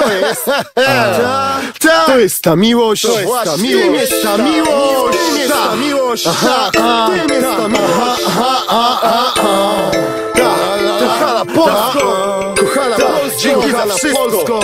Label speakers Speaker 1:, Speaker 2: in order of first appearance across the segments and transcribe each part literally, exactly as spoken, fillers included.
Speaker 1: To jest ta, ta, to jest ta miłość. To jest ta miłość. Tym jest ta miłość. Tym jest ta miłość. Tym jest ta miłość. Kochana Polsko, kochana Polsko, dzięki za wszystko.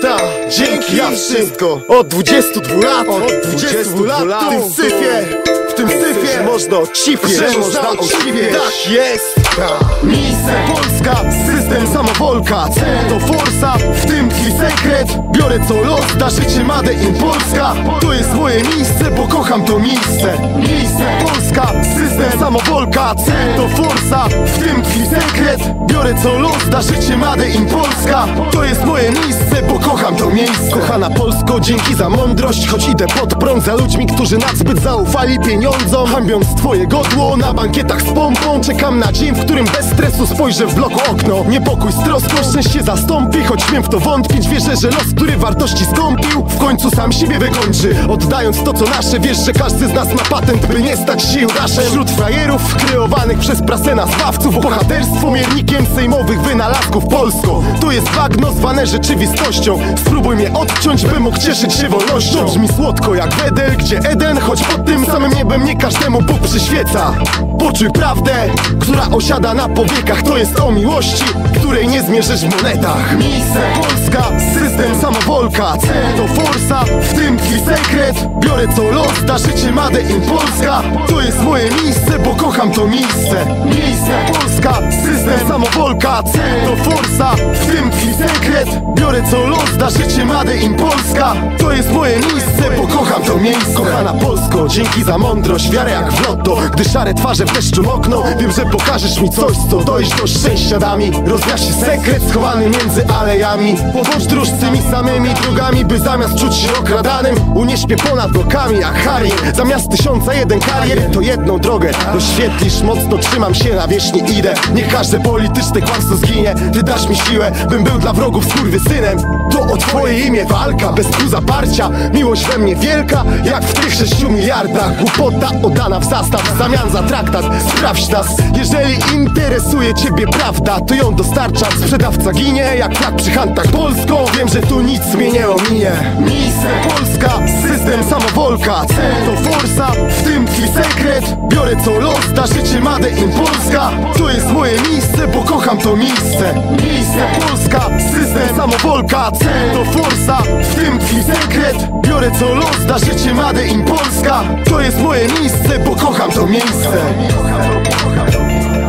Speaker 1: Dzięki za wszystko. Od dwudziestu dwóch lat, od dwudziestu lat w tym syfie, w tym syfie można ocipieć, że można ocipieć. Tak jest. Miejsce Polska, system samowolka, cel to forsa, w tym tkwi sekret. Biorę co los, da życie Made in Polska. To jest moje miejsce, bo kocham to miejsce. Miejsce Polska, system samowolka, cel to forsa, w tym tkwi sekret. Biorę co los, da życie Made in Polska. To jest moje miejsce, bo kocham to miejsce. Kochana Polsko, dzięki za mądrość, choć idę pod prąd za ludźmi, którzy nadzbyt zaufali pieniądzom. Hańbiąc twoje godło na bankietach z pompą, czekam na dzień, w którym bez stresu spojrzę w bloku okno. Niepokój z troską szczęście zastąpi, choć śmiem w to wątpić. Wierzę, że los, który wartości skąpił, w końcu sam siebie wykończy. Oddając to co nasze, wiesz, że każdy z nas ma patent, by nie stać się Judaszem. Wśród frajerów kreowanych przez prasę nazwawców, bohaterstwo miernikiem sejmowych wynalazków. Polsko, to jest bagno zwane rzeczywistością. Spróbuj mnie odciąć, by mógł cieszyć się wolnością. Brzmi słodko jak Wedel, gdzie Eden, choć pod tym samym niebem nie każdemu Bóg przyświeca. Poczuj prawdę, która osiada na powiekach. To jest o miłości, której nie zmierzysz w monetach. Miejsce Polska, system samowolka, cel to forsa, w tym tkwi sekret. Biorę co los, da życie Made in Polska. To jest moje miejsce, bo kocham to miejsce. Miejsce Polska, system samowolka, cel to forsa, w tym tkwi sekret. Biorę co los, da życie Made in Polska. To jest moje miejsce, bo kocham to miejsce. Kochana Polsko, dzięki za mądrość, wiarę jak w lotto. Gdy szare twarze w deszczu mokną, wiem, że pokażesz mi coś, co dojść do szczęścia da mi. Rozjaśni sekret schowany między alejami. Powąż dróż tymi samymi drogami, by zamiast czuć się okradanym, unieś mnie ponad blokami jak Harry. Zamiast tysiąca jeden karier, to jedną drogę doświetlisz. Mocno trzymam się na wierzchni, idę. Niech każde polityczne kłamstwo zginie. Ty dasz mi siłę, bym był dla wrogów skurwysynem. To o twoje imię walka, bez tu zaparcia. Miłość we mnie wielka, jak w tych sześciu miliardach. Głupota oddana w zastaw, w zamian za traktat. Sprawdź nas, jeżeli interesuje ciebie prawda, to ją dostarcza. Sprzedawca ginie, jak flag przy handtach Polską. Wiem, że tu nic mnie nie ominie. Miejsce Polska, system samowolka, cel to forsa, w tym tkwi sekret. Biorę co los, da życie Made in Polska. To jest moje miejsce, bo kocham to miejsce. Miejsce Polska, system samowolka, cel to forsa, w tym tkwi sekret. Biorę co los, da życie Made in Polska. To jest moje miejsce, bo kocham to miejsce.